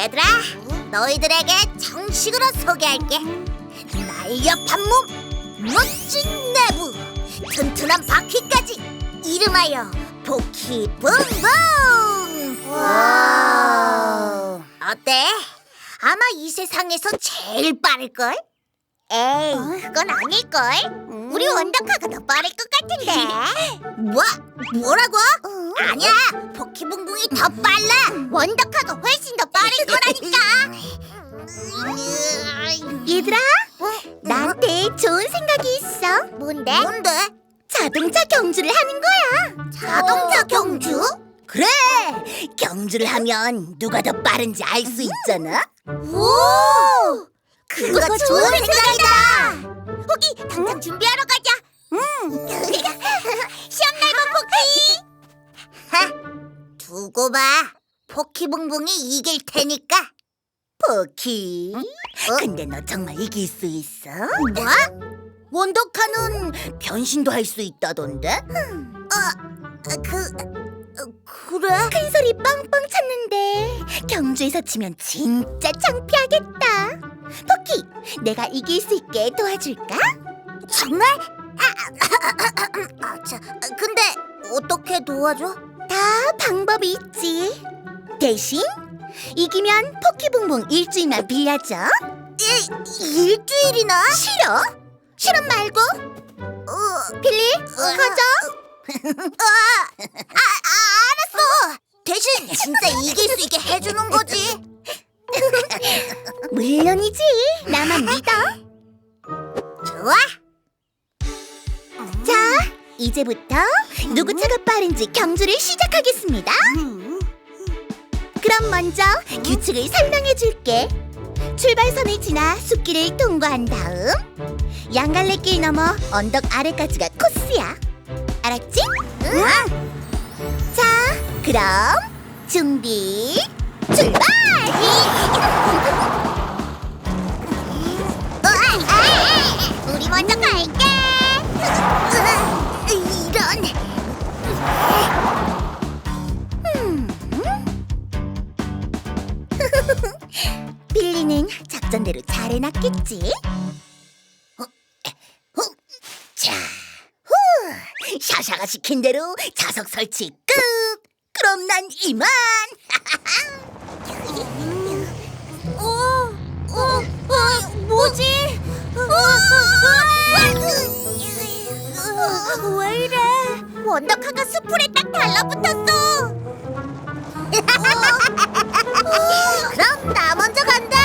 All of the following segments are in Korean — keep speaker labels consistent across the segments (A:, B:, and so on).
A: 얘들아, 너희들에게 정식으로 소개할게. 날렵한 몸, 멋진 내부, 튼튼한 바퀴까지 이름하여 포키붕붕!
B: 와.
A: 어때? 아마 이 세상에서 제일 빠를걸? 에이, 그건 아닐걸? 우리 원더카가 더 빠를 것 같은데. 뭐라고? 아니야, 포키붕붕이 더 빨라. 원더카가 훨씬 더 빠를 거라니까.
B: 얘들아, 나한테 좋은 생각이 있어.
A: 뭔데?
B: 자동차 경주를 하는 거야.
A: 자동차 경주?
B: 그래, 경주를 하면 누가 더 빠른지 알 수 있잖아.
A: 오! 그거 좋은 생각이다. 호기, 당장 준비하러 가자. 시험 날본 포키. 하, 두고 봐. 포키붕붕이 이길 테니까.
B: 포키, 근데 너 정말 이길 수 있어?
A: 뭐?
B: 원더카는 변신도 할 수 있다던데?
A: 그래?
B: 큰 소리 뻥뻥 쳤는데 경주에서 치면 진짜 창피하겠다. 포키, 내가 이길 수 있게 도와줄까?
A: 정말? 근데 어떻게 도와줘?
B: 다 방법이 있지. 대신 이기면 포키붕붕 일주일만 빌려줘.
A: 일주일이나?
B: 싫어? 실험 말고 빌리, 가자.
A: 알았어. 대신 진짜 이길 수 있게 해주는 거지.
B: 물론이지. 나만 믿어.
A: 좋아.
B: 자, 이제부터 누구 차가 빠른지 경주를 시작하겠습니다. 그럼 먼저 규칙을 설명해 줄게. 출발선을 지나 숲길을 통과한 다음 양갈래길 넘어 언덕 아래까지가 코스야. 알았지?
A: 응.
B: 자, 그럼 준비, 출발!
A: 우리 먼저 갈게. 이런.
B: 빌리는 작전대로 잘 해놨겠지? 자, 샤샤가 시킨 대로 좌석 설치 끝! 그럼 난 이만!
A: 뭐지? 왜 이래? 원더카가 수풀에 딱 달라붙었어. 그럼 나 먼저 간다.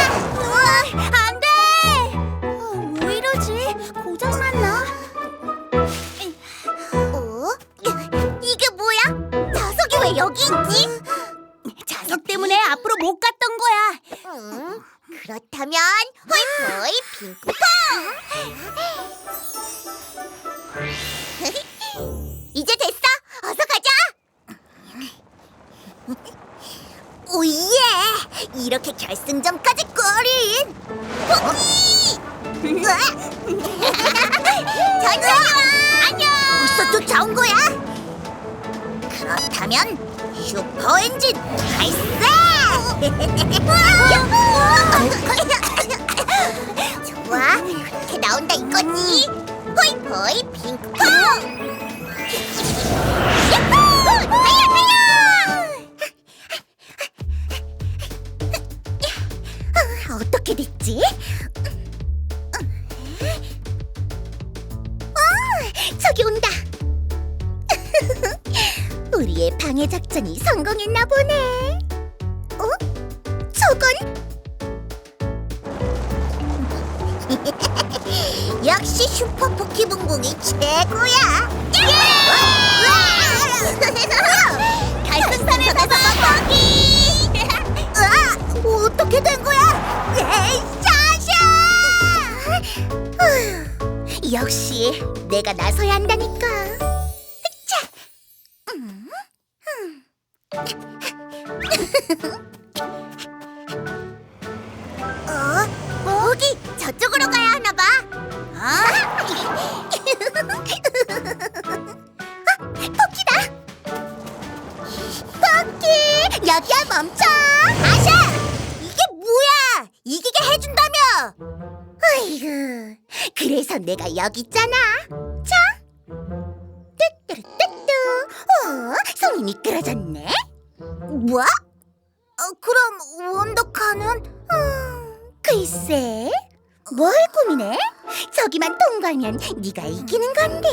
A: 안 돼. 왜 이러지? 고장 났나? 이게 뭐야? 자석이 왜 여기 있지?
B: 자석 때문에 앞으로 못 갔던 거야.
A: 그렇다면 호이호이 핑크퐁! 이제 됐어! 어서 가자! 오예! 이렇게 결승점까지 꼬린! 포기! 천천히 와! 안녕! 벌써 쫓아온 거야? 그렇다면 슈퍼 엔진 발사! 좋아, 그렇게 나온다 이거지. 호이호이 핑크퐁. 야호! 달려 달려.
B: 어떻게 됐지? 저기 온다. 우리의 방해 작전이 성공했나 보네. 저건
A: 역시 슈퍼 포키붕붕이 최고야. 결승선에서 포키. 어떻게 된 거야? 에이, 샤샤!
B: 역시 내가 나서야 한다니까. 자,
A: 거기 저쪽으로 가야 하나 봐.
B: 포키다. 포키, 여기야 멈춰.
A: 아샤!
B: 아이고, 그래서 내가 여기 있잖아. 자, 뚜뚜루뚜뚜. 손이 미끄러졌네.
A: 뭐? 그럼 원더카는?
B: 글쎄, 뭘 고민해? 저기만 통과하면 네가 이기는 건데.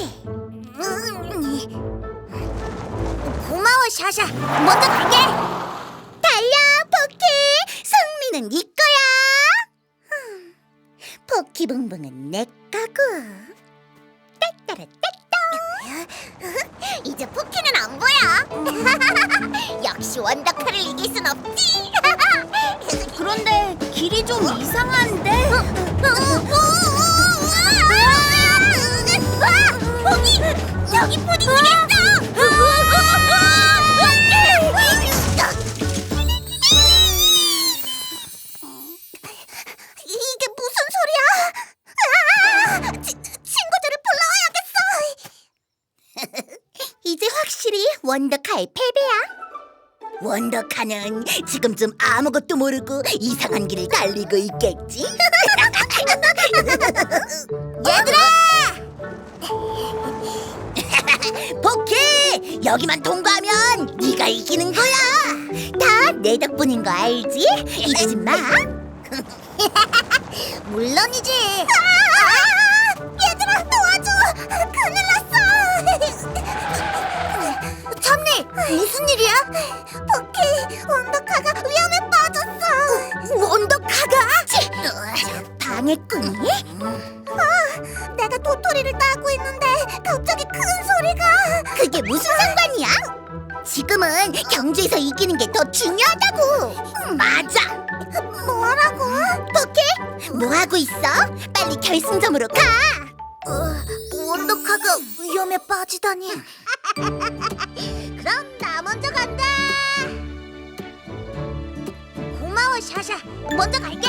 A: 고마워, 샤샤. 먼저 갈게.
B: 달려, 포키! 승리는 네 거야. 포키붕붕은 내 거고. 따따라따따.
A: 이제 포키는 안 보여. 역시 원더카를 이길 순 없지.
B: 그런데 길이 좀 이상한데?
A: 포기! 여기 푸딩이겠어! 이게 무슨 소리야? 친구들을 불러와야겠어.
B: 이제 확실히 원더카의 패배야. 원더카는 지금쯤 아무것도 모르고 이상한 길을 달리고 있겠지?
A: 얘들아!
B: 포키! 여기만 통과하면 네가 이기는 거야. 다 내 덕분인 거 알지? 잊지 마.
A: 물론이지. 얘들아, 도와줘. 큰일 났어. 참니, 무슨 일이야? 포키, 원더카가 위험에 빠졌어. 원더카가?
B: 방해꾼이?
A: 내가 도토리를 따고 있는데 갑자기 큰 소리가.
B: 그게 무슨 상관이야? 지금은 경주에서 이기는 게 더 중요하다고. 맞아.
A: 뭐라고?
B: 포키, 뭐 하고 있어? 빨리 결승점으로 가.
A: 원더카가 위험에 빠지다니. 그럼 나 먼저 간다. 고마워, 샤샤. 먼저 갈게.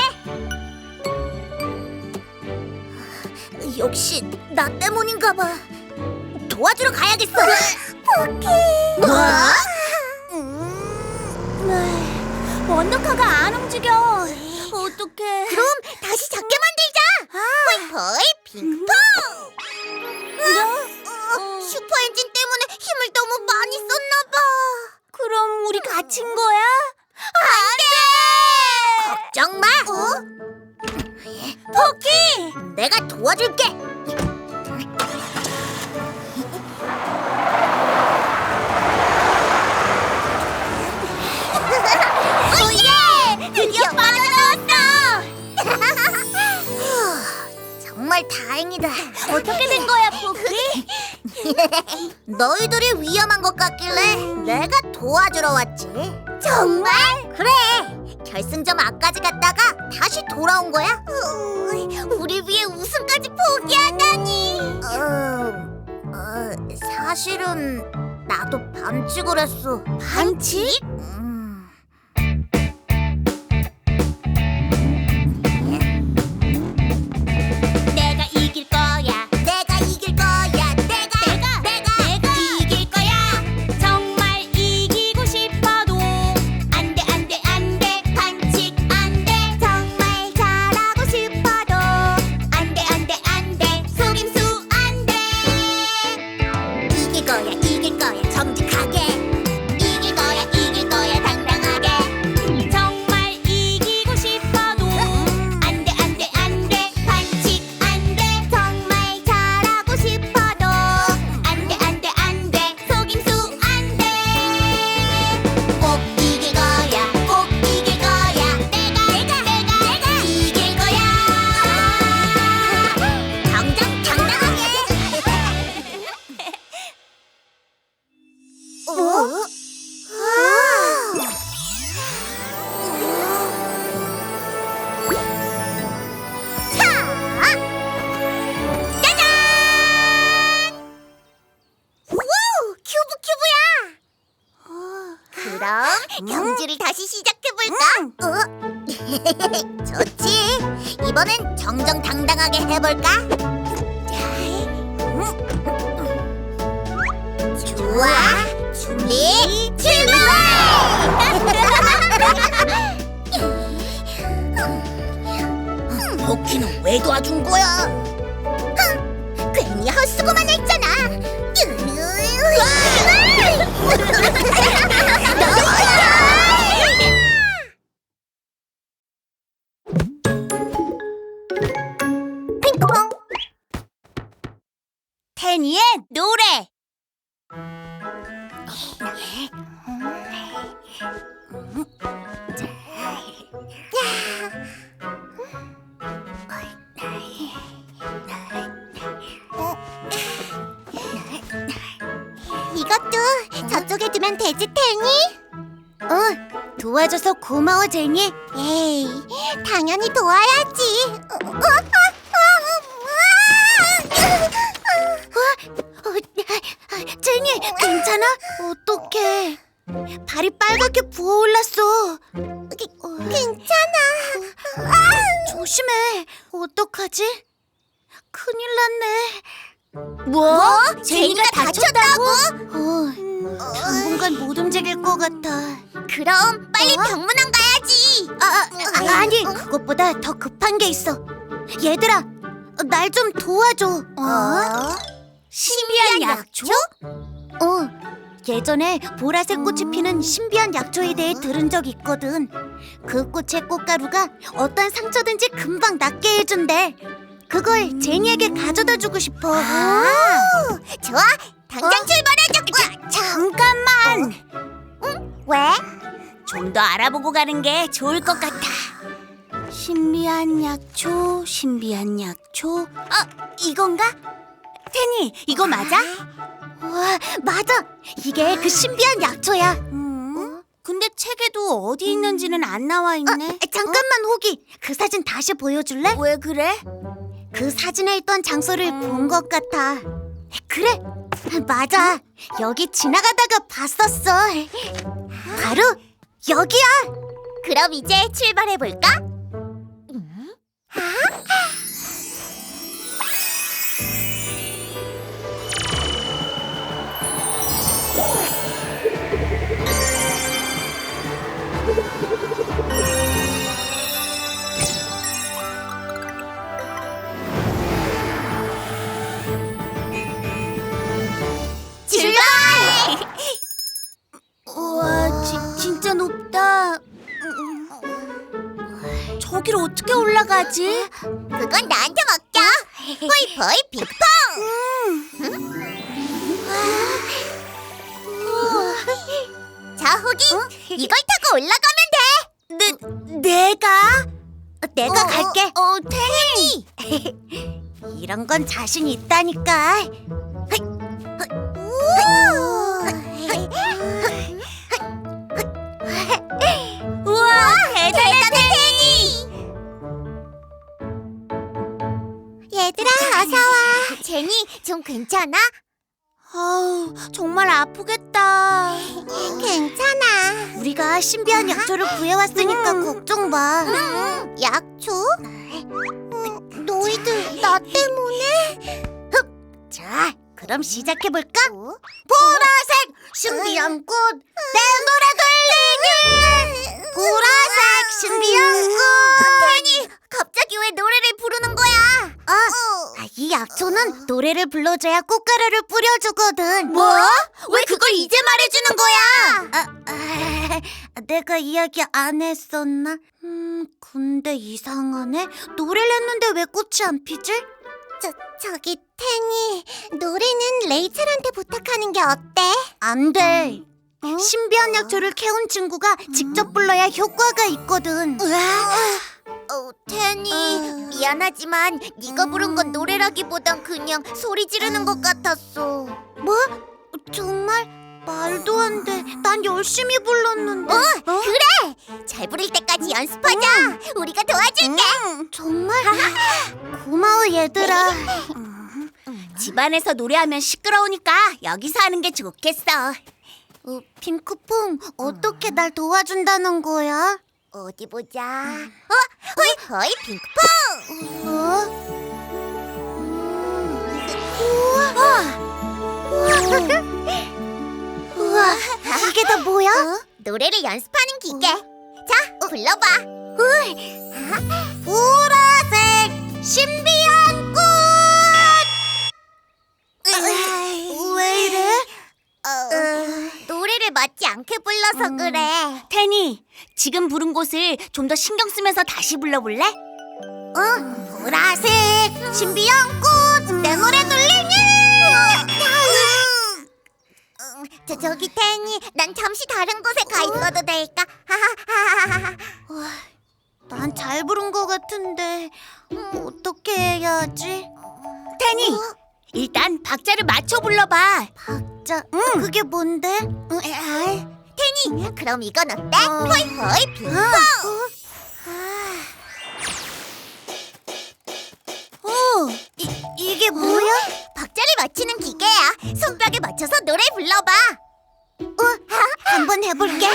A: 역시 나 때문인가 봐. 도와주러 가야겠어. 포키.
B: 뭐?
A: 원더카가 안 움직여. 어떡해. 그럼 다시 작게 만들자. 포이포이 핑퐁. 슈퍼 엔진 때문에 힘을 너무 많이 썼나 봐. 그럼 우리 갇힌 거야? 안 돼. 걱정 마. 포키, 내가 도와줄게. 오예! 드디어 빠져나왔어! 정말 다행이다. 어떻게 된 거야, 포키? 너희들이 위험한 것 같길래 내가 도와주러 왔지.
B: 정말?
A: 그래. 결승점 앞까지 갔다가 다시 돌아온 거야. 우리 위해 우승까지 포기하다니. 사실은 나도 반칙을 했어.
B: 반칙?
A: 내가 이길 거야. 내가 이길 거야. 내가 이길 거야. 정말 이기고 싶어도 안 돼, 안 돼, 안 돼. 반칙 안 돼. 정말 잘하고 싶어도 안 돼, 안 돼, 안 돼. 속임수 안 돼. 이길 거야, 이길 거야. 정직하게. 이길 거야, 당당하게. 정말 이기고 싶어도 안 돼, 안 돼, 안 돼. 반칙 안 돼. 정말 잘하고 싶어도 안 돼, 안 돼, 안 돼. 속임수 안 돼. 꼭 이길 거야, 꼭 이길 거야. 내가 이길 거야. 당당하게. 짜잔! 우와! 큐브야! 그럼 경주를 다시 시작해볼까? 좋지! 이번엔 정정당당하게 해볼까? 좋아! 준비, 출발! 호키는 왜 도와준 거야? 괜히 헛수고만 했잖아. 핑크퐁. 테니의 노래. 이것도 저쪽에 두면 되지, 테니? 도와줘서 고마워, 제니. 에이, 당연히 도와야지. 제니, 괜찮아? 어떡해. 발이 빨갛게 부어올랐어. 괜찮아. 조심해. 어떡하지? 큰일 났네. 뭐? 제니가 다쳤다고? 당분간 못 움직일 것 같아. 그럼 빨리 병문안 가야지. 아니, 그것보다 더 급한 게 있어. 얘들아, 날 좀 도와줘. 신비한 약초? 예전에 보라색 꽃이 피는 신비한 약초에 대해 들은 적 있거든. 그 꽃의 꽃가루가 어떤 상처든지 금방 낫게 해준대. 그걸 제니에게 가져다 주고 싶어. 좋아, 당장 출발하자. 잠깐만. 왜? 좀 더 알아보고 가는 게 좋을 것 같아. 신비한 약초, 신비한 약초. 이건가? 테니, 이거 맞아? 와, 맞아. 이게 그 신비한 약초야. 근데 책에도 어디 있는지는 안 나와 있네. 잠깐만, 호기. 그 사진 다시 보여줄래? 왜 그래? 그 사진에 있던 장소를 본 것 같아. 그래, 맞아. 여기 지나가다가 봤었어. 바로 여기야. 그럼 이제 출발해볼까? 출발! 우와, 진짜 높다. 저기를 어떻게 올라가지? 그건 나한테 맡겨. 호이호이 핑퐁. 자, 호기, 이걸 타고 올라가면 돼. 내가 갈게. 테니. 이런 건 자신 있다니까. 우와, 대단해, 테니. 얘들아, 어서 와. 제니, 좀 괜찮아? 정말 아프겠다. 괜찮아. 우리가 신비한 약초를 구해왔으니까 걱정 마. 약초? 너희들 나 때문에? 자, 그럼 시작해볼까? 보라색 신비한 꽃, 내 노래 들리니. 보라색 신비한 꽃. 테니, 갑자기 왜 노래를 부르는 거야? 이 약초는 노래를 불러줘야 꽃가루를 뿌려주거든. 뭐? 왜 그걸 이제 말해주는 거야? 내가 이야기 안 했었나? 근데 이상하네. 노래를 했는데 왜 꽃이 안 피지? 저기 테니, 노래는 레이첼한테 부탁하는 게 어때? 안 돼. 신비한 약초를 캐온 친구가 직접 불러야 효과가 있거든. 테니, 미안하지만 네가 부른 건 노래라기보단 그냥 소리 지르는 것 같았어. 뭐? 정말? 말도 안 돼. 난 열심히 불렀는데. 그래! 잘 부를 때까지 연습하자. 우리가 도와줄게. 정말? 고마워, 얘들아. 집안에서 노래하면 시끄러우니까 여기서 하는 게 좋겠어. 핑크퐁, 어떻게 날 도와준다는 거야? 어디 보자. 호이 핑크퐁. 우와, 이게 다 뭐야? 노래를 연습하는 기계. 자, 불러봐. 보라색 신비한 꽃!
B: 왜 이래?
A: 노래를 맞지 않게 불러서 그래.
B: 테니, 지금 부른 곳을 좀 더 신경 쓰면서 다시 불러볼래?
A: 보라색 신비한 꽃 내 노래 들리니? 저기 태니 난 잠시 다른 곳에 가 있어도 될까?
B: 난 잘 부른 것 같은데 어떻게 해야 하지? 테니, 일단 박자를 맞춰 불러봐.
A: 박자?
B: 그게 뭔데?
A: 태니 그럼 이건 어때? 호이호이 빙봉!
B: 이게 뭐야?
A: 박자를 맞추는 기계야. 손뼉에 맞춰서 노래 불러봐.
B: 한번 해볼게.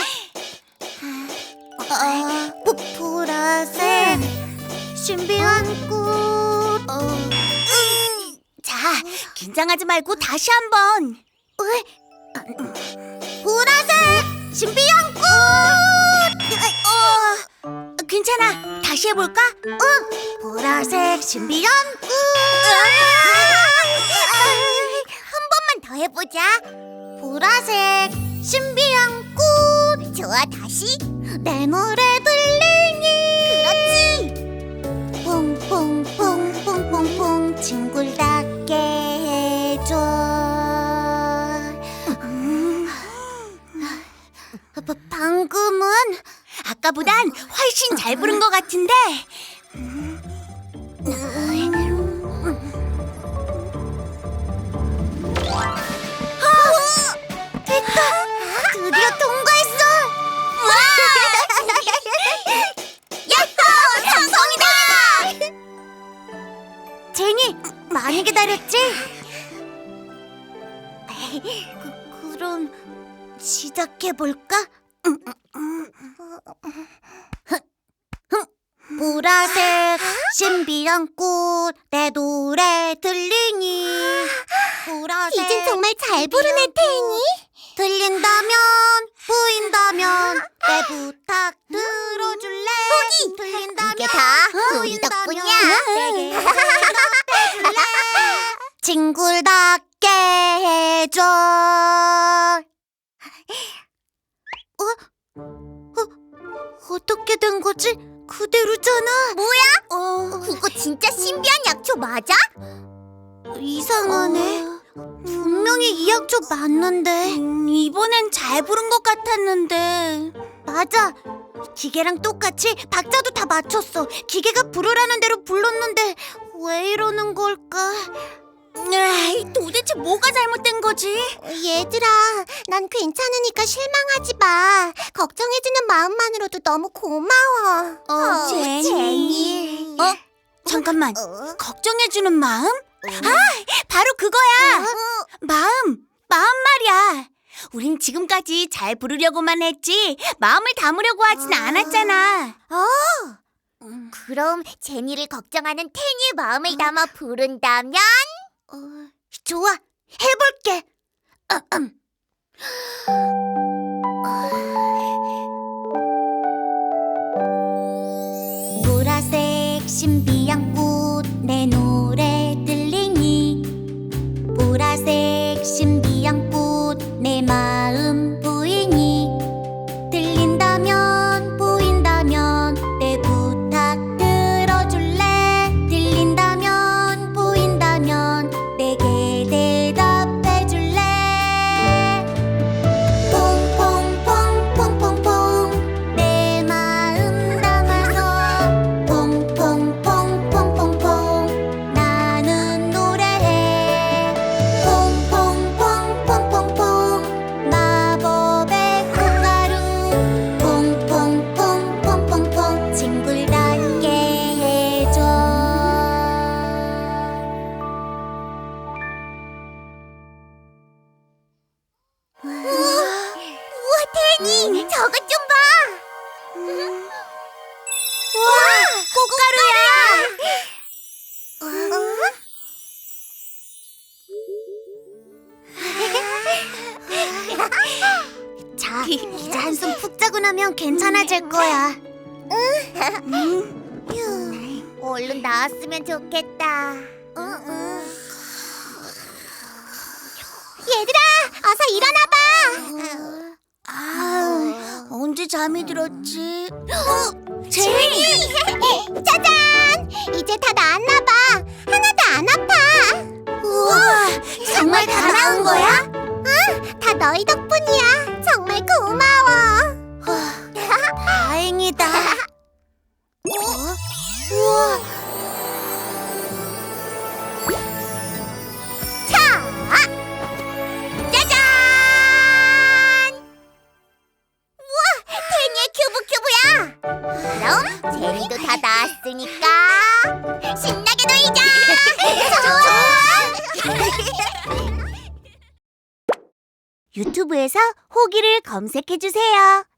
B: 보라색 신비한 꽃. 자, 긴장하지 말고 다시 한번.
A: 보라색 신비한 꽃!
B: 괜찮아. 다시 해볼까?
A: 보라색 신비한 꽃! 한 번만 더 해보자. 보라색 신비한 꽃. 좋아, 다시. 내 노래 들리니? 그렇지.
B: 퐁퐁퐁퐁퐁퐁 징굴답게 해줘. 방금은 아까보단 훨씬 잘 부른 것 같은데. 됐다. 드디어 통과했어.
A: 야호! 성공이다!
B: 제니, 많이 기다렸지? 그럼 시작해볼까? 보라색 신비한 꽃 내 노래 들리니? 보라색
A: 이젠 정말 잘 부르네, 태니.
B: 들린다면 보인다면 내 부탁 들어줄래? 들린다면
A: 이게 다 우리
B: 보인다면
A: 덕분이야.
B: 내게 대답해줄래? 징굴답게 해줘. 어떻게 된 거지? 그대로잖아.
A: 뭐야? 그거 진짜 신비한 약초 맞아?
B: 이상하네. 분명히 이 약초 맞는데. 이번엔 잘 부른 것 같았는데. 맞아. 기계랑 똑같이 박자도 다 맞췄어. 기계가 부르라는 대로 불렀는데 왜 이러는 걸까? 도대체 뭐가 잘못된 거지?
A: 얘들아, 난 괜찮으니까 실망하지 마. 걱정해주는 마음만으로도 너무 고마워.
B: 제니. 잠깐만.
A: 어?
B: 걱정해주는 마음? 바로 그거야. 마음 말이야. 우린 지금까지 잘 부르려고만 했지 마음을 담으려고 하진 않았잖아.
A: 그럼 제니를 걱정하는 태니의 마음을 담아 부른다면?
B: 좋아, 해볼게. 보라색 신비한 꽃 내 노래 들리니? 보라색 신비한 꽃 내 마음 보이니? 들린다면 보인다면 내 부탁 들어줄래? 들린다면 보인다면 내게 대답해줄래? 퐁퐁퐁퐁퐁퐁 내 마음 담아서 퐁퐁퐁퐁퐁퐁 나는 노래해. 퐁퐁퐁퐁퐁퐁 마법의 꽃가루 퐁퐁퐁퐁퐁퐁 징굴답게 해줘.
A: 우와, 태니! 저것 좀 봐!
B: 와, 꽃가루야. 자, 이제 한숨 푹 자고 나면 괜찮아질 거야.
A: 얼른 나왔으면 좋겠다. 얘들아, 어서 일어나봐.
B: 언제 잠이 들었지?
A: 제니! 짜잔! 이제 다 나았나봐. 하나도 안 아파.
B: 우와, 정말 다 나은 거야?
A: 응, 다 너희 덕분이야. 정말 고마워.
B: 다행이다. 우와,
A: 자, 짜잔! 우와, 제니의 큐브야. 그럼 제니도 다 나았으니까 신나게 놀자. 좋아.
B: 유튜브에서 호기를 검색해 주세요.